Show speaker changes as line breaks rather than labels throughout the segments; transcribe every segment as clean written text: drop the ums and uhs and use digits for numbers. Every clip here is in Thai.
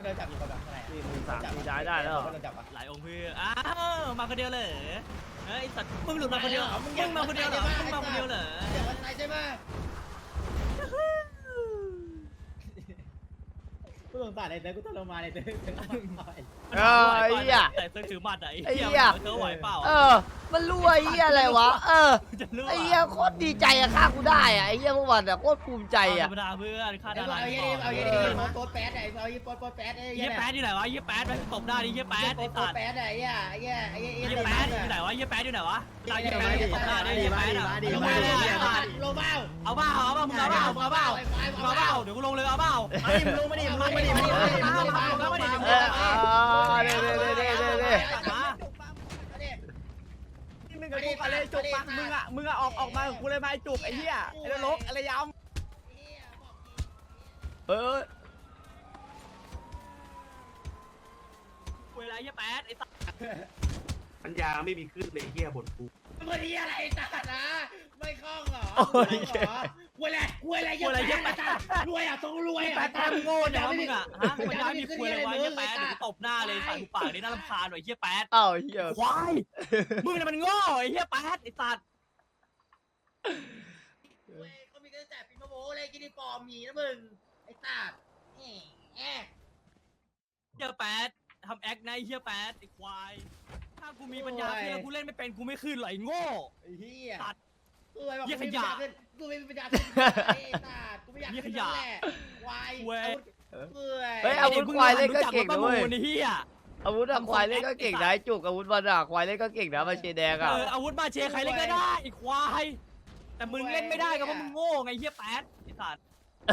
โดนจับอยู่คนแบบอะไร
4 3 4ได้แล้ว
โดนจับปะ
หลายองค์เพื่ออ้าวมาคนเดียวเลยเฮ้ยสัตว์มึงหลุดมาคนเดียวมึงมาคนเดียวเหรอมึงมาคนเดียวเหรอ
เดี๋ยวมันอะไรใช่ไหมกูสงสารเลยเต้กูทรมานเลยเต้
ไอ้เหี้ย
แต่เธอถือหมัดไอ้
ไอ้
เหี้
เหี้ย
ยเธอไหวเปล่า
มันรู้ไอ้เหี้ยอะไรวะ
จะรู้
ไอ้เหี้ยโคตรดีใจอะฆ่ากูได้อะไอ้เหี้ยเมื่อวานอะโคตรภูมิใจ
ธร
อะ
รมดาเพื่อนค่าดารา
เอาเยี่ยโป๊ดแป๊ดไอ้เอายี่โป๊ดแป๊ดไอ้
เยี่ยแป๊ดอยู่ไหนวะเยี่ยแป๊ดไปตบได้ดิเยี่ยแป๊ด
โป๊
ไอ้
ด
สัตว์
แป๊ดไอ้เยี่ยเยี่ย
เยี่ยแป๊ดอยู่ไหนวะเยี่ยแป๊ดอยู่ไหนวะตายเยี่ยแป๊ดตบได้ดิเยี่ยแป๊ดอ่ะ
ลงมาลงมา
เอาเปล่ามึงเอาเปล่าเอาเปล่าเอาเปล่าเดี๋ยวกูลงเลยเอาเปล่า
ลงมาดิลงมาดิลงมาดิลงมาดิ
เด้
มึงกับกูอะไรจุกปะมึงอะออกมากูเลยมาจุกไอ้เหี้ยไอ้ลกอะไรยำ
เวลาเยี่ยแป๊ดไอ้สัตว์
ปัญญาไม่มีขึ้นเลยเฮียบทกู
มันนี่อะไรตัดนะไม่คล่องเหรอเวลาเยี่ยแป๊ดรวยอ่ะต้องรวย
แป๊ดแป๊ดโง่เนี่ยมึงอ่ะฮะมันได้มีคุยอะไรวะเยี่ยแป๊ดเดี๋ยวกูตบหน้าเลยใส่หูปากนี่น่ารำคาญหน่อยเยี่ยแป๊ด
อ้าวเหี้ย
ควายมึงเนี่ยมันโง่ไอ้เหี้ยแป๊ดไอ้สัตว์
เขามีกันแต่ปีมะโมเลยกินปอมมีนะมึงไอ้ตัดแอะ
เหี้ยแป๊ดทำแอคนะไอ้เหี้ยแป๊ดไอ้ควายถ้ากูมีปัญญาขึ้นแล้วกูเล่นไม่เป็นกูไม่ขึ้นหรอกไอ้โง่
ไอ้เหี้ย
ตัด
กูไม่บอกกูไม่มีปัญญาขึ้นไอ้ตัดกูไม่อยากขึ้นแหละควาย
อาวุธควายเล่นก็เก่ง
นะ
นะเว้ย
ไอ้เหี้ย
อาวุธควายเล่นก็เก่งนะจุกอาวุธมันอะควายเล่นก็เก่งนะมาเชแดงอะ
อาวุธมาเชใครเล่นก็ได้ไอ้ควายแต่มึงเล่นไม่ได้ก็เพราะมึงโง่ไงเหี้ยแป๊ดไอ้สัตว์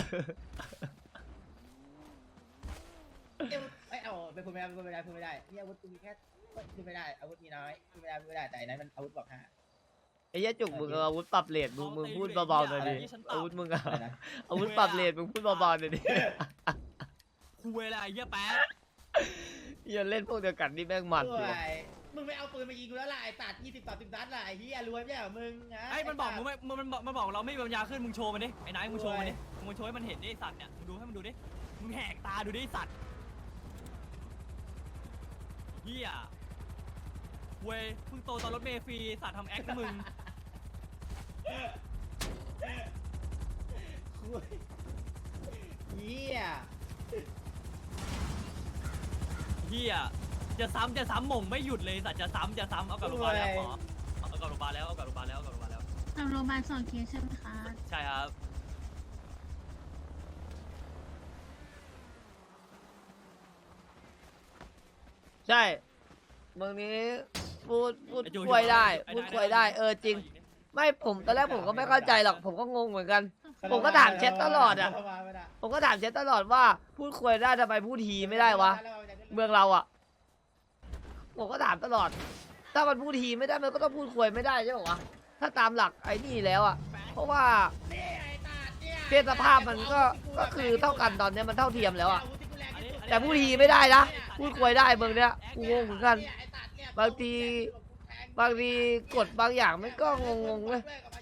ไอ้เอาเป็นคนไม่ได้นี่อาวุธกูมีแค่พูดไม่ได้อาวุธมีน้อยพูดไม่ได้แต่นั้นมันอาวุธบอกห้า
ไอ้เหี้ยจุกมึงอาวุธปรับเลทมึงพูดเบาๆหน่อยดิอาวุธมึงอะอาวุธปรับเลทมึงพูดเบาๆหน่อยดิ
คุยอะไรเหี้ยแป๊ด
อย่าเล่นพวกเดียวกันนี่แม่งมัน
ด้วยมึงไม่เอาปืนมายิงกูแล้วล่ะไอ้ตัด20-30 นัดล่ะไอ้เหี้ยรวยไม่ใช่เหรอมึงนะ
ไอ้มันบอกมึงไม่มันบอกเราไม่มีปัญญาขึ้นมึงโชว์มันดิไอ้นายมึงโชว์มันดิมึงโชว์ให้มันเห็นดิไอ้สัตว์เนี่ยมึงดูให้มันดูดิมึงแหกตาดูดิไอ้สัตว์เหี้ยเว้ยเพิ่งโตตอนรถเมล์ฟรีสัตว์ทำแอคนะมึง
เหี้ย
เหี้ยจะซ้ำหม่งไม่หยุดเลยสัตว์จะซ้ำเอากลับโรงพยาบาลแล้วหมอเอากลับโรงพยาบาลแล้วท
ำโรงพยาบาล2 เคสใช่ไหมคะ
ใช่ครับ
ใช่เมืองนี้พูดคุยได้จริงไม่ผมตอนแรกผมก็ไม่เข้าใจหรอกผมก็งงเหมือนกันผมก็ถามแชทตลอดอะผมก็ถามแชทตลอดว่าพูดคุยได้ทำไมพูดทีไม่ได้วะเมืองเราอะผมก็ถามตลอดถ้ามันพูดทีไม่ได้มันก็ต้องพูดคุยไม่ได้ใช่ไหมวะถ้าตามหลักไอ้นี่แล้วอะเพราะว่าเพศสภาพมันก็คือเท่ากันตอนนี้มันเท่าเทียมแล้วอะแต่พูดทีไม่ได้นะพูดคุยได้เมืองเนี้ยกูงงเหมือนกันบางทีกฎบางอย่างมันก็งงๆเลย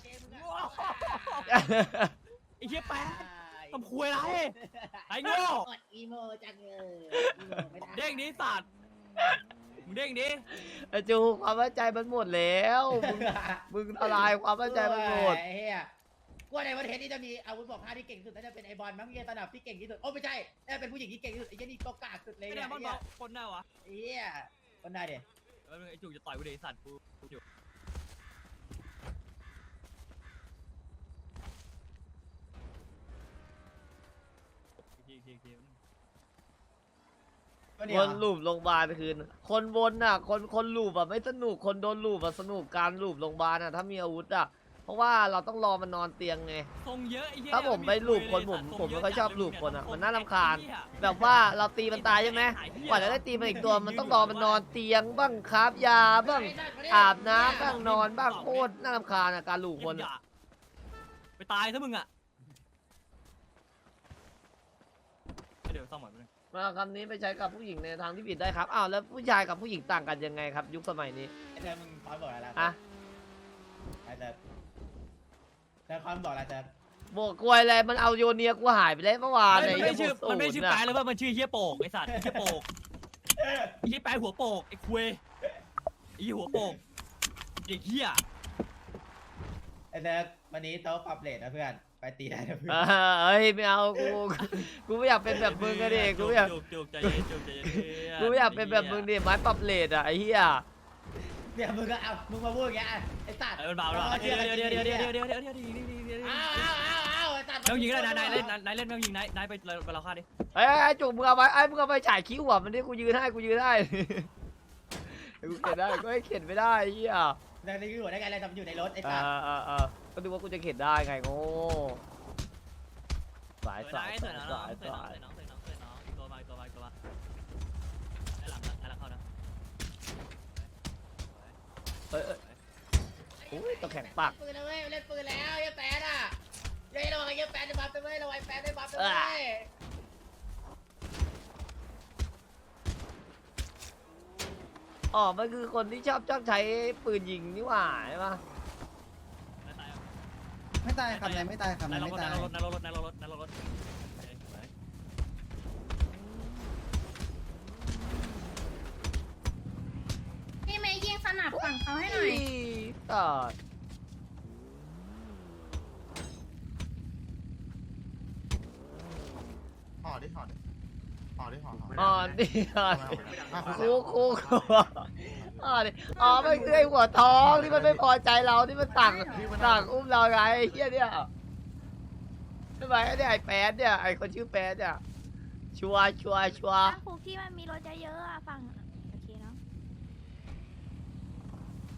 ไอ้เหี้ยแป๊ดทำคุยอะไรไอ้โง่
อีโมจังเลย
เด้งดิสัตว์มึงเด้งดิ
ไอ้จูความมั่นใจมันหมดแล้วมึงทลายความมั่นใจมันหมด
เฮียกูในประเทศนี้จะมีอาวุธบอกห้าที่เก่งที่สุดน่าจะเป็นไอบอลมั้งเฮียตนับที่เก่งที่สุดโอ้ไม่ใช่น่าจะเป็นผู้หญิงที่เก่งที่สุดไอ้เจนี่ตัวกากสุดเลย
ไม่
เนี่
ได้
ย
มันบอกคนหน้าวะ
เฮียคนได้เด็
แล้วไอ้จุกจะต่อยกูเดสัตว์กูอยู่
วนลูปโรงพยาบาลคืนคนวนน่ะคนลูปอะไม่สนุกคนโดนลูปอะสนุกการลูปโรงพยาบาลอะถ้ามีอาวุธอะเพราะว่าเราต้องรอมันนอนเตียงไง
ทรงเยอะไอ้เหี้ย
ถ้าผมไปลูปคนผมไม่ค่อยชอบลูปคนอะมันน่ารำคาญแบบว่าเราตีมันตายใช่ไหมกว่าจะได้ตีมันอีกตัวมันต้องรอมันนอนเตียงบ้างคาบยาบ้างอาบน้ำบ้างนอนบ้างโคตรน่ารำคาญอะการลูปคนอะ
ไปตายซะมึงอะเดี๋ยวซ่อมหน่อยนึง
มาคำนี้ไปใช้กับผู้หญิงในทางที่ผิดได้ครับอ้าวแล้วผู้ชายกับผู้หญิงต่างกันยังไงครับ ยุคสมัยนี้
ไอ้เธอมึงคอนบอกอะไรล่ะ
อะ
ไอ้เธอคอนบอกอะไรเธอ
บอกกลวยอะไรมันเอาโยเนียกูหายไปแล้วเมื่อวาน
มันไม่ชื่อ
อ้
มันไม่ชื่อ
ศูย์
แปะเลยว่ามันชื่อเฮียโปกไอ้สัตว์เฮียโปกไอ้เฮียแปะหัวโปกไอ้คุยไอ้หัวโปกไอ้เฮีย
ไอ้เนิร์กวันนี้โต๊ะปรับเลทนะเพื่อนไปตีได้นะเพื่อน
เฮ้ยไม่เอากูไม่อยากเป็นแบบมึงกันดิกูไม่อยาก
จุกใจเย็นจุกใจเย็น
กูไม่อยากเป็นแบบมึงดิไม้ปรับเลทอ่ะไอ้เหี้ย
เนี่ยมึงก็เอามึงมาพูดอย่างเงี้ยไอ้สัตว์
มันเบาแล้วเดี๋ยวไอ้สัตว์ไม่ต้องยิงแล้วนายเล่นไม่ต้องยิงนายไปเราฆ่าดิ
ไอ้จุกมึงเอาไปมึงเอาไปฉายคิ้วหัวมันดิกูยืนให้กูเข็นได้ก็ให้เข็นไม่ได้ไอ้เหี้ย
นั่นนี่คือหัวได้ไงอะไรทำอยู่ในรถไอ้สัตว์
ก็ดูว่ากูจะเข็นได้ไงโง่สาย
น้องอีกตัวมาไอ้หลังเข้านะ
โอ้ยต้องแข่งปาก
ปืนนะเว้ยเล่นปืนแล้วยังแปดอ่ะยังระวังยังแปดได้บัฟไปเว้ยระวังแปดได้บัฟไปเว้ย
อ๋อมันคือคนที่ชอบใช้ปืนยิงนี่หว่าใช่ปะ
ไม่ตายครับนายไม่ตายครับนายไม่ตาย
นายรถ
พี่เมย์ยิงสนับฝั่งเขาให้หน่อย
ต่อ
ห่อดิห่อดิห่อดิห่อ
อ๋อนี่คูอ๋อนี่อ๋อมันคือไอ้หัวท้องที่มันไม่พอใจเราที่มันสั่งอุ้มเราไงไอ้เหี้ยเนี่ยทำไมไอ้เนี่ยไอ้แป๊ดเนี่ยไอ้คนชื่อแป๊ดเนี่ยชัวร์
ครูพี่มันมีรถเยอะๆอะฝั่ง